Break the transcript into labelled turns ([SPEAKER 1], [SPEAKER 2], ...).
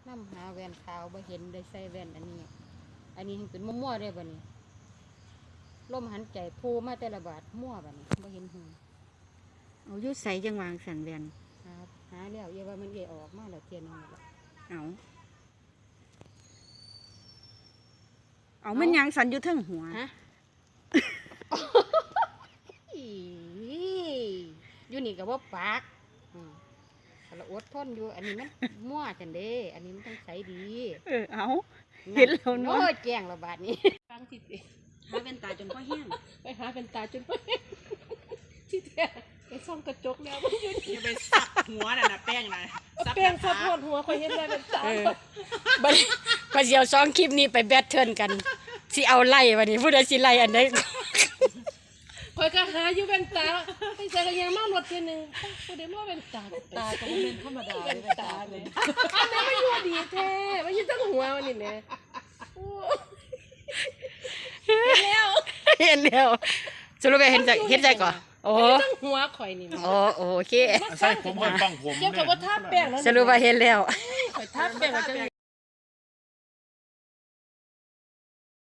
[SPEAKER 1] น้ำหาแว่นขาวบ่เห็นได้ใส่แว่นอันนี้เป็นมั่วๆได้บ่นี่ลมหันใจพูมาแต่ละบาทมั่วบ่นี่บ่เห็นหู
[SPEAKER 2] เอายุดใส่จังหวางสันแวน
[SPEAKER 1] หาแล้วอย่าว่ามันออกมาแล้วเทียนนึงแล้ว
[SPEAKER 2] เอามันยังสันอยู่เทั้งหัว
[SPEAKER 1] ฮะ อยู่นี่ก็บ่ปากเราอดทนอยู่อันนี้มันมั่วจังเด้อันนี้มันต้องใช้ดี
[SPEAKER 2] เอาเห็นแล้วเนาะ
[SPEAKER 1] โอ้ยแจ้งระบาดนี้ฟังที่สิ
[SPEAKER 2] หาเป็นตาจนพ่อแห้ง
[SPEAKER 1] ไปหาเป็นตาจนไปที่แท้ไปซ่อมกระจกแล้วมันอยู่นี่
[SPEAKER 3] อย่าไปสักหัวน่ะนะแป้งนะ
[SPEAKER 1] แป้งซับหัวหัวคอยเห็นได้เป็นตาบัดนี้ก็สิเอา2คลิปนี้ไปแบทเทิลกันสิเอาไล่บัดนี้ผู้ใดสิไล่อันใดคอยก็หาอยู่เป็นตาไปใส่กันยังมารถเทียนึงผู้ใดมาเป็นตาตาก็บ่เป็นธรรมดาเป็นตาเลยอันนั้นมันอยู่ดีแท้มันอยู่ทั้งหัวมันนี่แหละเห็นแล้วสรุปเห็นใจก่อนโอ้ทั้งหัวข่อยนี่โอเค
[SPEAKER 4] ใส่ผมค่อยฟังผม
[SPEAKER 1] เกี่ยวกับว่าทาแป้งแล้ว
[SPEAKER 2] สรุปว่าเห็นแล้ว
[SPEAKER 1] ข่อยทาแป้งว่าจะ